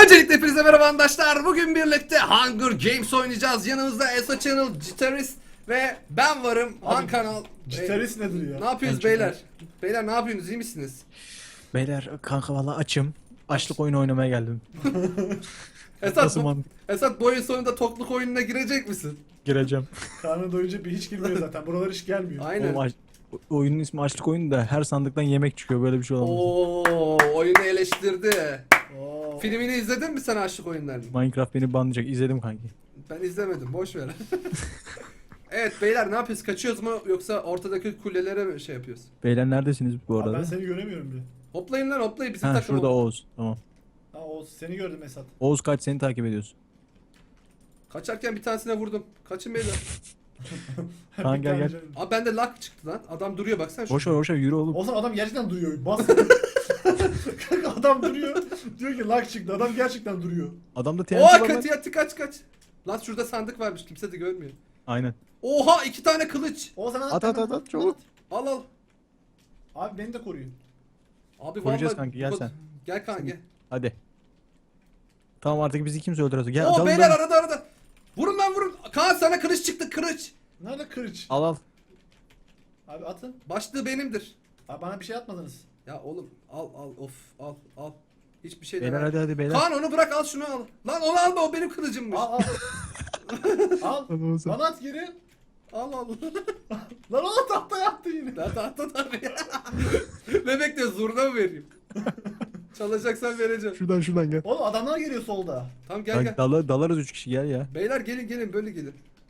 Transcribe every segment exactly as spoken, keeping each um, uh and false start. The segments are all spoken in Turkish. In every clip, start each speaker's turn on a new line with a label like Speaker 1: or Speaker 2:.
Speaker 1: Öncelikle hepinize merhaba arkadaşlar. Bugün birlikte Hunger Games oynayacağız. Yanımızda Eso Channel, Gitarist ve ben varım. Han kanal.
Speaker 2: Gitarist
Speaker 1: Ee,
Speaker 2: nedir ya?
Speaker 1: Ne yapıyoruz
Speaker 3: Ben
Speaker 1: beyler? Beyler ne yapıyorsunuz? İyi misiniz?
Speaker 3: Beyler kanka valla açım. Açlık oyunu oynamaya geldim.
Speaker 1: Esat,
Speaker 3: Nasıl
Speaker 1: bu,
Speaker 3: mantık?
Speaker 1: Esat bu oyun sonunda tokluk oyununa girecek misin?
Speaker 3: Gireceğim.
Speaker 2: Karnı doyunca bir hiç girmiyor zaten. Buralar hiç gelmiyor.
Speaker 1: Aynen.
Speaker 3: Oğlum, aç- oyunun ismi açlık oyunu da her sandıktan yemek çıkıyor, böyle bir şey olamaz.
Speaker 1: Oo, oyunu eleştirdi.
Speaker 2: Oo.
Speaker 1: Filmini izledin mi sen aşık oyunlarını?
Speaker 3: Minecraft beni banlayacak, izledim kanki.
Speaker 1: Ben izlemedim. Boş ver. Evet beyler ne yapıyoruz? Kaçıyoruz mu yoksa ortadaki kulelere mi şey yapıyoruz?
Speaker 3: Beyler neredesiniz bu
Speaker 2: Abi
Speaker 3: arada?
Speaker 2: ben seni göremiyorum bile.
Speaker 1: Hoplayın lan hoplayın bizim
Speaker 3: Ha
Speaker 1: takım.
Speaker 3: şurada
Speaker 1: hop-
Speaker 3: Oğuz. Tamam.
Speaker 2: Ha o seni gördüm Esat.
Speaker 3: Oğuz kaç, seni takip ediyorsun.
Speaker 1: Kaçarken bir tanesine vurdum. Kaçın beyler.
Speaker 3: Kaan
Speaker 2: Bir
Speaker 3: gel,
Speaker 2: tane
Speaker 3: gel.
Speaker 2: canım.
Speaker 1: Abi bende lag çıktı lan. Adam duruyor baksana.
Speaker 3: Boş ver
Speaker 1: şurada.
Speaker 3: boş ver, yürü oğlum.
Speaker 2: O zaman adam gerçekten duruyor. Bas. Kanka adam duruyor. Diyor ki lag çıktı. Adam gerçekten duruyor.
Speaker 3: Adamda T N T
Speaker 1: Oha
Speaker 3: var lan.
Speaker 1: katı yattı kaç kaç. Lan şurada sandık varmış kimse de görmüyor.
Speaker 3: Aynen.
Speaker 1: Oha iki tane kılıç.
Speaker 2: O zaman
Speaker 3: At, at, at, at, çabuk.
Speaker 1: Al al.
Speaker 2: Abi beni de koruyun.
Speaker 1: Abi
Speaker 3: Koruyacağız
Speaker 1: vallahi-
Speaker 3: kanki, gel
Speaker 1: bu-
Speaker 3: sen.
Speaker 1: Gel kanka gel.
Speaker 3: Hadi. Tamam, artık bizi kimse öldüremez. Gel
Speaker 1: Oo
Speaker 3: dalın,
Speaker 1: beyler
Speaker 3: dalın.
Speaker 1: arada arada. Vurun lan vurun. Kaan sana kılıç çıktı kılıç.
Speaker 2: Nerede kırıç?
Speaker 3: Al al.
Speaker 2: Abi atın.
Speaker 1: Başlığı benimdir.
Speaker 2: Abi bana bir şey atmadınız.
Speaker 1: Ya oğlum al al of al al. Hiçbir şey
Speaker 3: Beyler
Speaker 1: demem.
Speaker 3: hadi hadi beyler.
Speaker 1: Kaan onu bırak al şunu al. Lan onu alma o benim kılıcımmış.
Speaker 2: Al al. al.
Speaker 3: Hadi Oğuz.
Speaker 2: Bana at geri.
Speaker 1: Al al.
Speaker 2: Lan o tahtaya attı yine.
Speaker 1: Ben tahta tabii. Ne bekliyorsun zurna mı vereyim? Çalacaksan vereceğim.
Speaker 3: Şuradan şuradan gel.
Speaker 2: Oğlum adamlar geliyor solda.
Speaker 1: Tamam gel
Speaker 3: Bak,
Speaker 1: gel.
Speaker 3: dala- dalarız üç kişi, gel ya.
Speaker 1: Beyler gelin gelin böyle gelin.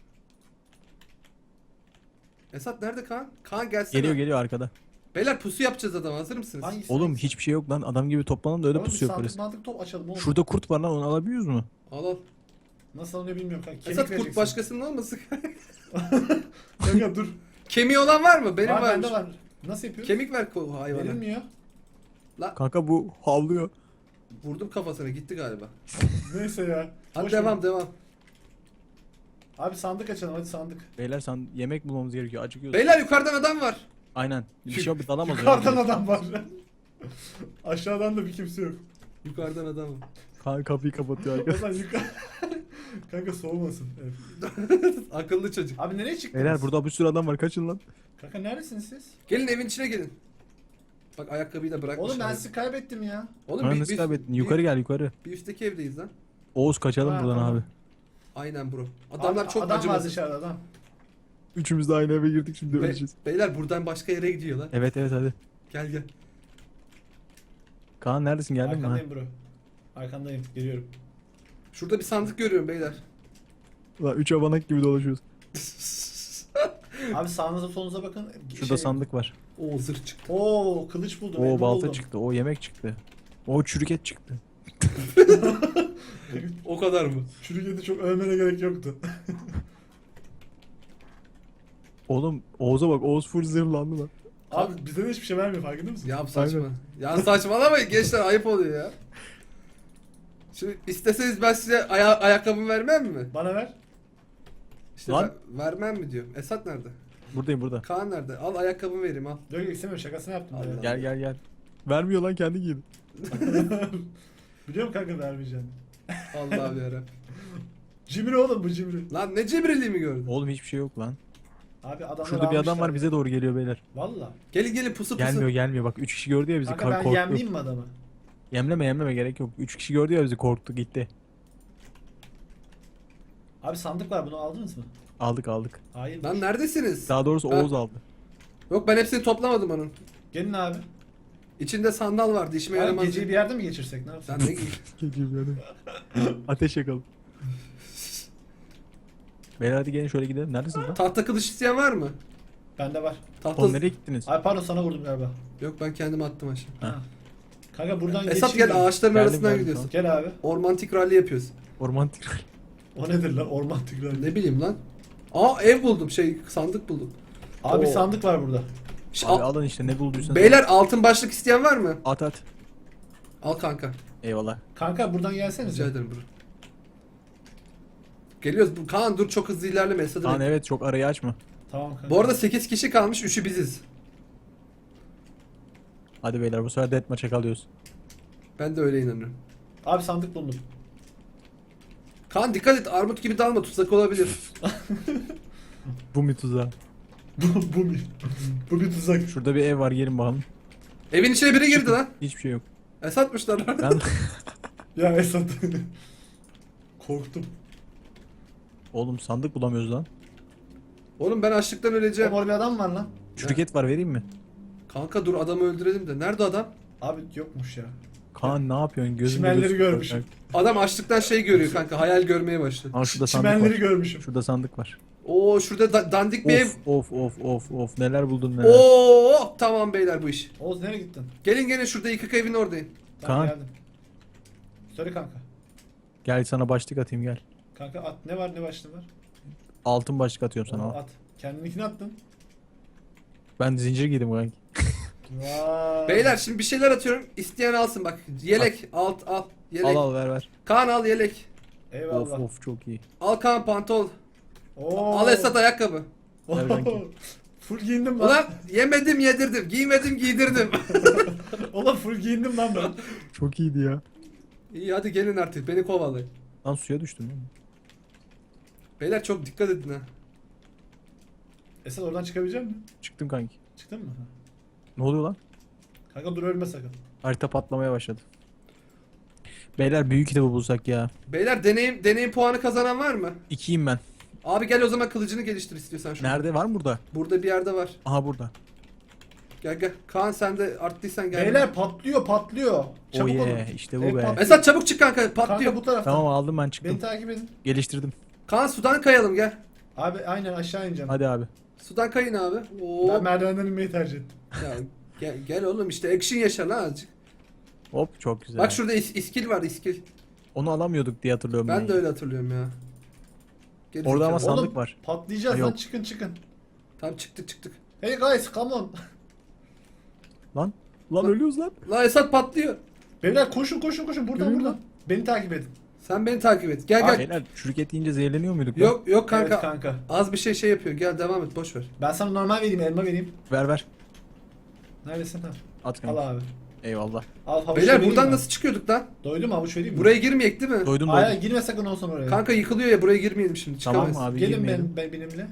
Speaker 1: Esat nerede Kaan? Kaan gelsene.
Speaker 3: Geliyor geliyor arkada.
Speaker 1: Beyler pusu yapacağız adam hazır mısınız?
Speaker 2: Hangisi?
Speaker 3: Oğlum
Speaker 2: hangisi?
Speaker 3: hiçbir şey yok lan, adam gibi toplanalım da öyle
Speaker 2: Oğlum bir
Speaker 3: pusu
Speaker 2: sandık
Speaker 3: yaparız.
Speaker 2: mantık top açalım oğlum.
Speaker 3: Şurada kurt var lan, onu alabiliyoruz mu?
Speaker 1: Al al.
Speaker 2: Nasıl alınıyor bilmiyorum kanka. Kemik
Speaker 1: Esat kurt
Speaker 2: vereceksin.
Speaker 1: başkasının olmasın?
Speaker 2: Kanka dur.
Speaker 1: Kemiği olan var mı? Benim
Speaker 2: Var
Speaker 1: varmış.
Speaker 2: bende var. Nasıl yapıyoruz?
Speaker 1: Kemik ver ko- hayvana.
Speaker 2: Verilmiyor.
Speaker 3: Kanka bu havlıyor.
Speaker 1: Vurdum kafasına gitti galiba.
Speaker 2: Neyse ya.
Speaker 1: Hadi
Speaker 2: Boş
Speaker 1: devam
Speaker 2: ver.
Speaker 1: devam.
Speaker 2: Abi sandık açalım hadi sandık.
Speaker 3: Beyler sen yemek bulmamız gerekiyor, acıkıyoruz.
Speaker 1: Beyler yukarıdan adam var.
Speaker 3: Aynen. Bir şey yok, dalamaz.
Speaker 2: Yukarıdan adam var. Aşağıdan da bir kimse yok.
Speaker 1: Yukarıdan adam var.
Speaker 3: Kan kapıyı kapatıyor
Speaker 2: O
Speaker 3: arkadaş.
Speaker 2: zaman yukarı... Kanka soğumasın. Evet.
Speaker 1: Akıllı çocuk.
Speaker 2: Abi nereye çıktınız?
Speaker 3: Beyler burada bir sürü adam var, kaçın lan.
Speaker 2: Kanka neredesiniz siz?
Speaker 1: Gelin evin içine gelin. Bak ayakkabıyı da bırakmışlar.
Speaker 2: Oğlum ben sizi kaybettim ya.
Speaker 1: Oğlum
Speaker 3: Lan
Speaker 1: bir,
Speaker 3: nasıl
Speaker 1: bir-
Speaker 3: kaybettin?
Speaker 1: bir-
Speaker 3: Yukarı gel yukarı.
Speaker 1: Bir üstteki evdeyiz lan.
Speaker 3: Oğuz kaçalım
Speaker 2: Ha,
Speaker 3: buradan
Speaker 2: tamam.
Speaker 3: abi.
Speaker 1: Aynen bro. Adamlar
Speaker 2: Abi,
Speaker 1: çok
Speaker 2: adam var
Speaker 1: acımasız.
Speaker 2: dışarıda adam.
Speaker 3: Üçümüz de aynı eve girdik, şimdi
Speaker 1: Be-
Speaker 3: öleceğiz.
Speaker 1: beyler buradan başka yere gidiyorlar.
Speaker 3: Evet evet hadi.
Speaker 1: Gel gel.
Speaker 3: Kaan neredesin, geldin mi? ha?
Speaker 2: Arkandayım bro. Arkandayım geliyorum.
Speaker 1: Şurada bir sandık görüyorum beyler.
Speaker 3: Ulan üç abanak gibi dolaşıyoruz.
Speaker 2: Abi sağınıza solunuza bakın.
Speaker 3: Şurada
Speaker 2: Şey-
Speaker 3: sandık var.
Speaker 1: Oo zırh çıktı.
Speaker 2: Oo kılıç buldum.
Speaker 3: O
Speaker 2: elma
Speaker 3: balta
Speaker 2: buldum.
Speaker 3: çıktı, o yemek çıktı. O çürük et çıktı.
Speaker 1: O kadar mı?
Speaker 2: Çürük eti çok övmene gerek yoktu.
Speaker 3: Oğlum Oğuz'a bak, Oğuz full zırhlandı lan.
Speaker 2: Abi bize de hiçbir şey vermiyor farkında mısın?
Speaker 1: Ya saçma.
Speaker 3: Aynen.
Speaker 1: Ya saçmalamayın gençler ayıp oluyor ya. Şimdi isteseniz ben size aya ayakkabımı vermem mi?
Speaker 2: Bana ver.
Speaker 1: İşte
Speaker 3: Lan.
Speaker 1: ver- vermem mi diyorum. Esat nerede?
Speaker 3: Buradayım burada.
Speaker 1: Kaan nerede? Al ayakkabımı vereyim al.
Speaker 2: Yok yok istemiyorum şakasını yaptım.
Speaker 1: Allah.
Speaker 2: ya.
Speaker 3: Gel gel gel. Vermiyor lan, kendi giydi.
Speaker 2: Biliyorum kanka vermeyeceğim.
Speaker 1: Allah'ım yarabbim.
Speaker 2: Cimri oğlum bu cimri.
Speaker 1: Lan ne cimriliğimi gördün?
Speaker 3: Oğlum hiçbir şey yok lan.
Speaker 2: Abi adamlar
Speaker 3: Şurada bir adam
Speaker 2: almışlar
Speaker 3: var, bize doğru geliyor beyler.
Speaker 2: Valla.
Speaker 1: Gelin gelin pusu pusu.
Speaker 3: Gelmiyor gelmiyor, bak üç kişi gördü ya bizi,
Speaker 2: Kanka
Speaker 3: kar-
Speaker 2: ben
Speaker 3: korktu.
Speaker 2: yemleyeyim mi adamı?
Speaker 3: Yemleme yemleme, gerek yok. üç kişi gördü ya bizi, korktu gitti.
Speaker 2: Abi sandık var bunu aldınız mı?
Speaker 3: Aldık aldık.
Speaker 2: Hayır.
Speaker 1: Lan neredesiniz?
Speaker 3: Daha doğrusu
Speaker 1: Ha.
Speaker 3: Oğuz aldı.
Speaker 1: Yok ben hepsini toplamadım onun.
Speaker 2: Gelin abi.
Speaker 1: İçinde sandal vardı işime
Speaker 2: Abi
Speaker 1: yaramaz.
Speaker 2: geceyi bir yerde mi geçirsek ne yapsak?
Speaker 1: Sen ne giy?
Speaker 3: Geliyor yani. Ateş yakalım. Beyler hadi gelin şöyle gidelim. Neredesiniz lan?
Speaker 1: Tahta kılıç isteyen var mı?
Speaker 2: Bende var.
Speaker 1: Tahta...
Speaker 3: Oğlum nereye gittiniz?
Speaker 2: Abi pardon sana vurdum galiba.
Speaker 1: Yok ben kendim attım aşağı.
Speaker 2: Ha. Kanka buradan
Speaker 1: Esat
Speaker 2: geçeyim
Speaker 1: gel
Speaker 2: mi?
Speaker 1: ağaçların
Speaker 3: Geldim,
Speaker 1: arasından
Speaker 3: geldim,
Speaker 1: gidiyorsun.
Speaker 2: Gel abi.
Speaker 1: Ormantik rally yapıyoruz.
Speaker 3: Ormantik.
Speaker 2: O nedir lan? Orman tigran.
Speaker 1: Ne bileyim lan. Aa ev buldum şey sandık buldum.
Speaker 2: Abi
Speaker 1: Oo.
Speaker 2: sandık var burada.
Speaker 1: Ş-
Speaker 3: Abi
Speaker 1: al-
Speaker 3: alın işte, ne bulduysanız.
Speaker 1: Beyler altın başlık isteyen var mı?
Speaker 3: At at.
Speaker 1: Al kanka.
Speaker 3: Eyvallah.
Speaker 2: Kanka buradan
Speaker 1: Rica
Speaker 2: gelsenize.
Speaker 1: ederim bro. Geliyoruz. Bu- Kaan dur çok hızlı ilerleme. Esad'ı
Speaker 3: Kaan
Speaker 1: bekle.
Speaker 3: evet, çok arayı açma.
Speaker 2: Tamam kanka.
Speaker 1: Bu arada sekiz kişi kalmış. üçü biziz.
Speaker 3: Hadi beyler bu sefer deathmatch'e kalıyoruz.
Speaker 1: Ben de öyle inanıyorum.
Speaker 2: Abi sandık buldum.
Speaker 1: Kaan dikkat et, armut gibi dalma, tuzak olabilir.
Speaker 3: Bu mu tuzağı?
Speaker 2: bu, bu bir, bu bir tuzak.
Speaker 3: Şurada bir ev var, gelin bakalım.
Speaker 1: Evin içine biri girdi lan.
Speaker 3: Hiçbir şey yok.
Speaker 1: Esatmışlar.
Speaker 3: Ben
Speaker 2: Ya Esat. Korktum.
Speaker 3: oğlum sandık bulamıyoruz lan.
Speaker 1: Oğlum ben açlıktan öleceğim.
Speaker 2: Mor bir adam var lan.
Speaker 3: Çürük et var, vereyim mi?
Speaker 1: Kanka dur, adamı öldürelim de. Nerede adam?
Speaker 2: Abi yokmuş ya.
Speaker 3: Kaan ne yapıyorsun? Gözünde
Speaker 2: Çimenleri
Speaker 3: göz-
Speaker 2: görmüşüm.
Speaker 1: Adam açlıktan şey görüyor kanka, hayal görmeye başladı.
Speaker 3: Aa şurada sandık
Speaker 2: Çimenleri
Speaker 3: var.
Speaker 2: görmüşüm.
Speaker 3: Şurada sandık var.
Speaker 1: Oo şurada da- dandik bir ev.
Speaker 3: Of of of of of neler buldun neler.
Speaker 1: Oo tamam beyler, bu iş.
Speaker 2: Oğuz nereye gittin?
Speaker 1: Gelin gelin, şurada yıkık evin oradayım.
Speaker 2: Tamam
Speaker 3: Kaan.
Speaker 2: geldim. Söyle kanka.
Speaker 3: Gel sana başlık atayım gel.
Speaker 2: Kanka at, ne var ne başlığı var?
Speaker 3: Altın başlık atıyorum sana. al.
Speaker 2: At. Kendininkini attın.
Speaker 3: Ben zincir giydim kanki.
Speaker 2: Vay.
Speaker 1: Beyler şimdi bir şeyler atıyorum, isteyen alsın bak. Yelek alt al. Yelek.
Speaker 3: Al al ver ver.
Speaker 1: Kaan al yelek.
Speaker 2: Eyvallah.
Speaker 3: Of of çok iyi.
Speaker 1: Al Kaan pantol.
Speaker 2: Oo.
Speaker 1: Al Esat ayakkabı.
Speaker 3: Ver kanki.
Speaker 2: Full giyindim lan.
Speaker 1: Ulan yemedim yedirdim, giymedim giydirdim.
Speaker 2: Ulan full giyindim lan ben.
Speaker 3: Çok iyiydi ya.
Speaker 1: İyi hadi gelin artık, beni kovalayın.
Speaker 3: Lan suya düştüm ya.
Speaker 1: Beyler çok dikkat edin ha.
Speaker 2: Esat oradan çıkabilecek misin?
Speaker 3: Çıktım kanki.
Speaker 2: Çıktın mı?
Speaker 3: Ne oluyor lan?
Speaker 2: Kanka dur ölme sakın.
Speaker 3: Harita patlamaya başladı. Beyler büyük kitabı bulsak ya.
Speaker 1: Beyler deneyim deneyim puanı kazanan var mı?
Speaker 3: İkiyim ben.
Speaker 1: Abi gel o zaman, kılıcını geliştir istiyorsan şunu.
Speaker 3: Nerede var mı burada?
Speaker 1: Burada bir yerde var.
Speaker 3: Aha burada.
Speaker 1: Gel gel. Kaan sen de arttıysan gel.
Speaker 2: Beyler patlıyor patlıyor. Çabuk
Speaker 3: oh
Speaker 2: olun.
Speaker 3: yeah, işte bu
Speaker 2: Ev
Speaker 3: be.
Speaker 2: patlıyor.
Speaker 1: Esat çabuk çık kanka, patlıyor.
Speaker 2: Kanka bu taraftan.
Speaker 3: Tamam aldım ben
Speaker 2: Beni
Speaker 3: çıktım.
Speaker 2: takip edin.
Speaker 3: Geliştirdim.
Speaker 1: Kaan sudan kayalım gel.
Speaker 2: Abi aynen aşağı ineceğim.
Speaker 3: Hadi abi.
Speaker 1: Sudan kayın abi. Oo.
Speaker 2: Ben merdivenden inmeyi tercih ettim.
Speaker 1: Ya, gel, gel oğlum işte action yaşa lan azıcık.
Speaker 3: Hop çok güzel.
Speaker 1: Bak şurada is- iskil var, iskil.
Speaker 3: Onu alamıyorduk diye hatırlıyorum ben.
Speaker 1: Ben de öyle hatırlıyorum ya. Geri
Speaker 3: Orada ama
Speaker 1: zekalı.
Speaker 3: sandık
Speaker 2: Oğlum,
Speaker 3: var.
Speaker 2: patlayacağız
Speaker 3: Ha,
Speaker 2: lan
Speaker 3: yok.
Speaker 2: çıkın çıkın.
Speaker 1: Tamam çıktık çıktık.
Speaker 2: Hey guys come on.
Speaker 3: Lan. Lan ölüyoruz lan.
Speaker 1: La Esat patlıyor.
Speaker 2: Beyler koşun koşun koşun buradan
Speaker 3: Yürü
Speaker 2: buradan.
Speaker 3: lan.
Speaker 2: Beni takip edin.
Speaker 1: Sen beni takip et. Gel gel.
Speaker 3: Beyler çürük et yiyince zehirleniyor muyduk lan?
Speaker 1: Yok yok kanka.
Speaker 2: Evet kanka.
Speaker 1: Az bir şey şey yapıyor. Gel devam et, boş ver.
Speaker 2: Ben sana normal vereyim elma vereyim.
Speaker 3: Ver ver.
Speaker 2: Neredesin ha?
Speaker 3: At
Speaker 2: Al
Speaker 3: kanka.
Speaker 2: abi.
Speaker 3: Eyvallah.
Speaker 2: Al havuç
Speaker 1: Beyler
Speaker 2: vereyim
Speaker 1: buradan
Speaker 2: mi?
Speaker 1: nasıl çıkıyorduk lan?
Speaker 2: Doydum havuç vereyim mi?
Speaker 1: Buraya girmeyek değil mi?
Speaker 3: Doydum
Speaker 2: Hayır
Speaker 3: doydum.
Speaker 2: girme sakın olsun oraya.
Speaker 1: Kanka yıkılıyor ya, buraya girmeyelim şimdi.
Speaker 3: Tamam
Speaker 1: Çıkamayız.
Speaker 3: abi
Speaker 2: Gelin
Speaker 3: girmeyelim.
Speaker 2: ben, ben benimle.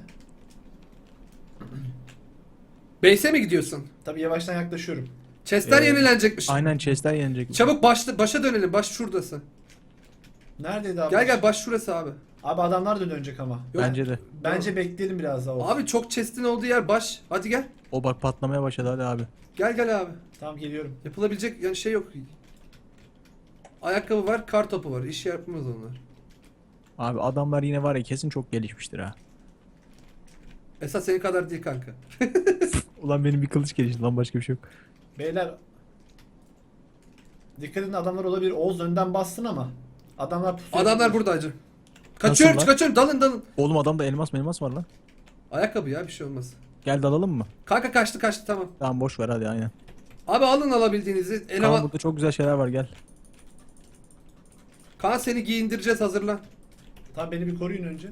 Speaker 1: Base'e mi gidiyorsun?
Speaker 2: Tabii yavaştan yaklaşıyorum.
Speaker 1: Chestler
Speaker 3: Ee,
Speaker 1: yenilenecekmiş.
Speaker 3: Aynen chestler yenecek.
Speaker 1: Çabuk başla, başa dönelim. Baş şuradası.
Speaker 2: Neredeydi abi?
Speaker 1: Gel gel, baş şurası abi.
Speaker 2: Abi adamlar da dönecek ama.
Speaker 1: Yok.
Speaker 3: Bence de.
Speaker 2: Bence bekleyelim biraz daha olsun.
Speaker 1: Abi çok chest'in olduğu yer baş. Hadi gel.
Speaker 3: O bak patlamaya başladı hadi abi.
Speaker 1: Gel gel abi.
Speaker 2: Tamam geliyorum.
Speaker 1: Yapılabilecek yani şey yok. Ayakkabı var, kar topu var. İş yapmaz onlar.
Speaker 3: Abi adamlar yine var ya kesin çok gelişmiştir ha.
Speaker 1: Esas senin kadar değil kanka.
Speaker 3: Ulan benim bir kılıç gelişti lan, başka bir şey yok.
Speaker 2: Beyler dikkat edin, adamlar olabilir. Oğuz önden bassın ama adamlar pusuya
Speaker 1: Adamlar
Speaker 2: tutmuş.
Speaker 1: burada acı. Kaçıyorum,
Speaker 3: Nasıl lan?
Speaker 1: kaçıyorum. Dalın dalın.
Speaker 3: Oğlum adamda elmas elmas var lan.
Speaker 1: Ayakkabı ya, bir şey olmaz.
Speaker 3: Gel dalalım mı?
Speaker 1: Kanka kaçtı kaçtı, tamam.
Speaker 3: Tamam boş ver hadi aynen.
Speaker 1: Abi alın alabildiğinizi.
Speaker 3: Kaan
Speaker 1: Eleman...
Speaker 3: burada çok güzel şeyler var gel.
Speaker 1: Kaan seni giyindireceğiz, hazırlan.
Speaker 2: Tamam beni bir koruyun önce.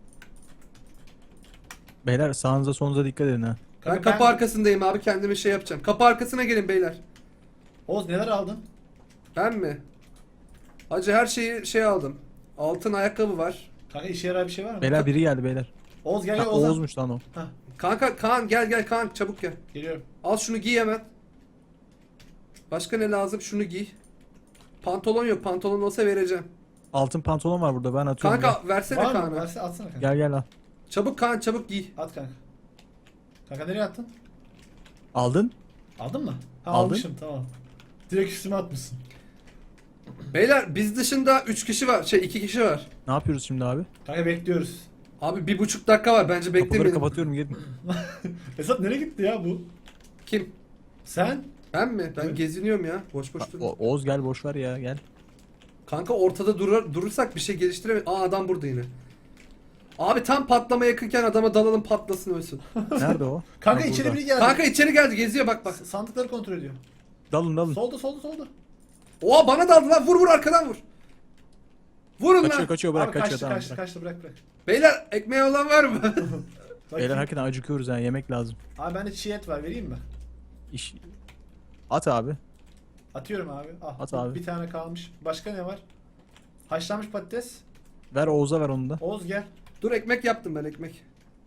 Speaker 3: Beyler sağınıza solunuza dikkat edin ha.
Speaker 1: Ben
Speaker 2: Kanka
Speaker 1: kapı arkasındayım abi, kendime şey yapacağım. Kapı arkasına gelin beyler.
Speaker 2: Oğuz neler aldın?
Speaker 1: Ben mi? Hacı her şeyi şey aldım. Altın ayakkabı var.
Speaker 2: Kanka işe yarar bir şey var mı?
Speaker 3: Beyler biri geldi beyler.
Speaker 2: Oğuz gel
Speaker 3: Ha,
Speaker 2: gel Oğuz'a.
Speaker 3: Oğuz'muş lan o.
Speaker 2: Hah,
Speaker 1: Kanka Kaan gel gel Kaan, çabuk gel.
Speaker 2: geliyorum.
Speaker 1: Al şunu giy hemen. Başka ne lazım? Şunu giy. Pantolon yok. Pantolon olsa vereceğim.
Speaker 3: Altın pantolon var burada ben atıyorum.
Speaker 1: Kanka versene
Speaker 2: Var mı?
Speaker 1: Kaan'a.
Speaker 2: Verse atsana kanka.
Speaker 3: Gel gel al.
Speaker 1: Çabuk Kaan, çabuk giy.
Speaker 2: At kanka. Kanka nereye attın?
Speaker 3: Aldın?
Speaker 2: Aldın mı? Ha,
Speaker 3: Aldın.
Speaker 2: almışım tamam. Direkt üstüme atmışsın.
Speaker 1: Beyler biz dışında üç kişi var. Şey iki kişi var.
Speaker 3: Ne yapıyoruz şimdi abi?
Speaker 2: Kanka bekliyoruz.
Speaker 1: Abi bir buçuk dakika var. Bence
Speaker 3: Kapıları
Speaker 1: beklemeyin.
Speaker 3: kapatıyorum gelin.
Speaker 2: Esat nereye gitti ya bu?
Speaker 1: Kim?
Speaker 2: Sen?
Speaker 1: Ben mi? Ben
Speaker 2: Evet.
Speaker 1: geziniyorum ya. Boş boş
Speaker 3: Ha,
Speaker 1: dur.
Speaker 3: O- Oğuz gel boş ver ya gel.
Speaker 1: Kanka ortada durur, durursak bir şey geliştiremeyiz. Aa adam burada yine. Abi tam patlama yakınken adama dalalım, patlasın ölsün.
Speaker 3: Nerede o?
Speaker 2: Kanka
Speaker 3: Ha,
Speaker 2: içeri
Speaker 3: burada.
Speaker 2: biri geldi.
Speaker 1: Kanka içeri geldi, geziyor bak bak.
Speaker 2: S- Sandıkları kontrol ediyor.
Speaker 3: Dalın dalın.
Speaker 2: Solda solda solda.
Speaker 1: Oha bana daldı lan, vur vur arkadan vur. Vurun
Speaker 3: Kaçıyor
Speaker 1: lan.
Speaker 3: kaçıyor bırak
Speaker 2: Abi
Speaker 3: kaçıyor
Speaker 2: kaçtı
Speaker 3: tamam
Speaker 2: kaçtı
Speaker 3: bırak.
Speaker 2: kaçtı bırak bırak.
Speaker 1: Beyler ekmeği olan var mı?
Speaker 2: Bakayım.
Speaker 3: Beyler hakikaten acıkıyoruz ha, yemek lazım.
Speaker 2: Abi bende çiğ et var vereyim mi?
Speaker 3: İş... At abi.
Speaker 2: Atıyorum abi. Ah,
Speaker 3: At
Speaker 2: bir-
Speaker 3: abi.
Speaker 2: Bir tane kalmış. Başka ne var? Haşlanmış patates.
Speaker 3: Ver Oğuz'a ver onu da.
Speaker 2: Oğuz gel.
Speaker 1: Dur ekmek yaptım ben ekmek.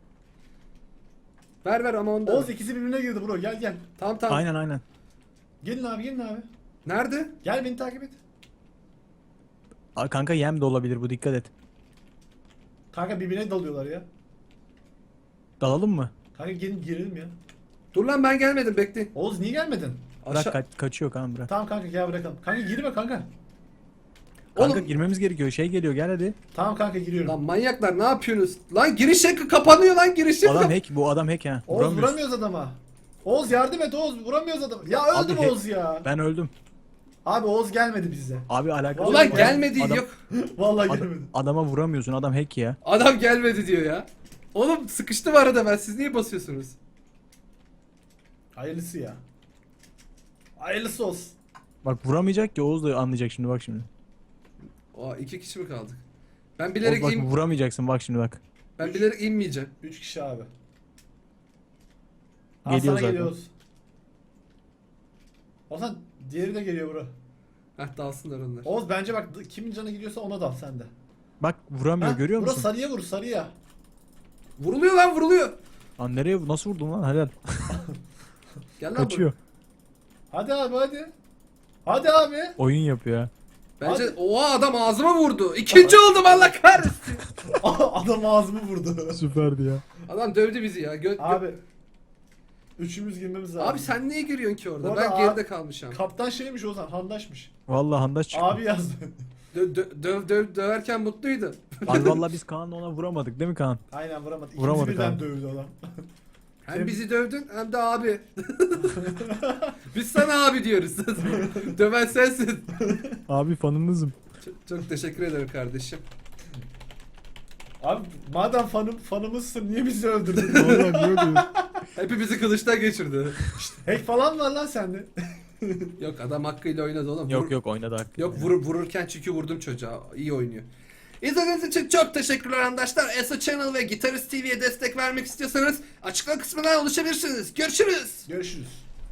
Speaker 1: Ver ver ama onu da.
Speaker 2: Oğuz ikisi birbirine girdi bro. Gel gel.
Speaker 1: Tamam tamam.
Speaker 3: Aynen aynen.
Speaker 2: Gelin abi gelin abi.
Speaker 1: Nerede?
Speaker 2: Gel beni takip et.
Speaker 3: Aa, kanka yem de olabilir bu, dikkat et.
Speaker 2: Kanka birbirine dalıyorlar ya.
Speaker 3: Dalalım mı?
Speaker 2: Kanka gelin girelim ya.
Speaker 1: Dur lan ben gelmedim bekleyin.
Speaker 2: Oğuz niye gelmedin?
Speaker 3: Bırak
Speaker 1: Aşağı...
Speaker 3: kaç- kaçıyor kanka, bırak.
Speaker 2: Tamam kanka gel bırakalım. Kanka girme kanka.
Speaker 3: Kanka
Speaker 1: Oğlum-
Speaker 3: girmemiz gerekiyor. Şey geliyor, gel hadi.
Speaker 2: Tamam kanka giriyorum.
Speaker 1: Lan manyaklar ne yapıyorsunuz? Lan giriş yakı kapanıyor lan giriş yakı.
Speaker 3: Adam
Speaker 1: kap-
Speaker 3: hack, bu adam hack ha.
Speaker 2: Oğuz
Speaker 3: Vuramıyoruz.
Speaker 2: vuramıyoruz adama. Oğuz yardım et Oğuz vuramıyoruz adamı. Ya
Speaker 3: Abi
Speaker 2: öldüm
Speaker 3: he-
Speaker 2: Oğuz ya.
Speaker 3: Ben öldüm.
Speaker 2: Abi Oğuz gelmedi bize.
Speaker 3: Abi alakası
Speaker 2: Ulan
Speaker 3: yok.
Speaker 1: Ulan gelmedi
Speaker 3: Adam-
Speaker 1: yok.
Speaker 2: Vallahi
Speaker 3: Ad-
Speaker 2: gelmedi.
Speaker 3: adama vuramıyorsun, adam hack ya.
Speaker 1: Adam gelmedi diyor ya. Oğlum sıkıştım arada ben, siz niye basıyorsunuz?
Speaker 2: Hayırlısı ya. Hayırlısı olsun.
Speaker 3: Bak vuramayacak ki, Oğuz da anlayacak şimdi, bak şimdi.
Speaker 1: O iki kişi mi kaldık? Ben
Speaker 3: Oğuz
Speaker 1: bilerek
Speaker 3: bak
Speaker 1: in...
Speaker 3: vuramayacaksın, bak şimdi bak.
Speaker 1: ben bilerek inmeyeceğim.
Speaker 2: Üç kişi abi. Al
Speaker 3: Geliyor
Speaker 2: sana
Speaker 3: zaten.
Speaker 2: geliyoruz. Ozan diğeri de geliyor bro.
Speaker 1: Heh dalsınlar onlar.
Speaker 2: Oğuz bence bak kimin canı gidiyorsa ona dal sen de.
Speaker 3: Bak vuramıyor,
Speaker 2: Ha,
Speaker 3: görüyor
Speaker 2: bro,
Speaker 3: musun?
Speaker 2: sarıya vur sarıya.
Speaker 1: Vuruluyor lan vuruluyor.
Speaker 3: Lan nereye, nasıl vurdun lan, helal.
Speaker 1: Gel lan
Speaker 3: Kaçıyor.
Speaker 2: Hadi abi hadi. Hadi abi.
Speaker 3: Oyun yapıyor ha.
Speaker 1: buraya. Bence
Speaker 2: Hadi.
Speaker 1: oha adam ağzıma vurdu. İkinci oldum Allah kahretsin.
Speaker 2: Adam ağzımı vurdu.
Speaker 3: Süperdi ya.
Speaker 1: Adam dövdü bizi ya. Gö- gö-
Speaker 2: Abi. Üçümüz girmemiz lazım.
Speaker 1: Abi sen niye giriyorsun ki orada?
Speaker 2: Bu
Speaker 1: Ben
Speaker 2: arada
Speaker 1: geride
Speaker 2: abi-
Speaker 1: kalmışım.
Speaker 2: Kaptan şeymiş Ozan, handaşmış.
Speaker 3: Vallahi handaş çıktı.
Speaker 2: Abi yazdı.
Speaker 1: Dö- dö- döv döv döverken mutluydu.
Speaker 3: Abi vallahi biz Kaan'la ona vuramadık değil mi Kaan?
Speaker 2: Aynen vuramadı. İkimizi
Speaker 3: Vuramadık
Speaker 2: birden
Speaker 3: abi.
Speaker 2: dövdü adam.
Speaker 1: Hem bizi dövdün hem de abi. Biz sana abi diyoruz. Döven sensin.
Speaker 3: Abi fanınızım.
Speaker 1: Çok, çok teşekkür ederim kardeşim.
Speaker 2: Abi madem fanım, fanımızsın niye bizi öldürdün?
Speaker 3: Vallahi niye diyorsun?
Speaker 1: Hepimizi kılıçtan geçirdi.
Speaker 2: Hack falan var lan sende.
Speaker 1: Yok adam hakkıyla oynadı oğlum. Vur-
Speaker 3: Yok yok oynadı hakkı.
Speaker 1: Yok vurur, vururken çünkü vurdum çocuğa. İyi oynuyor. İzlediğiniz için çok teşekkürler arkadaşlar. Eso Channel ve Gitarist T V'ye destek vermek istiyorsanız açıklama kısmından ulaşabilirsiniz. Görüşürüz.
Speaker 2: Görüşürüz.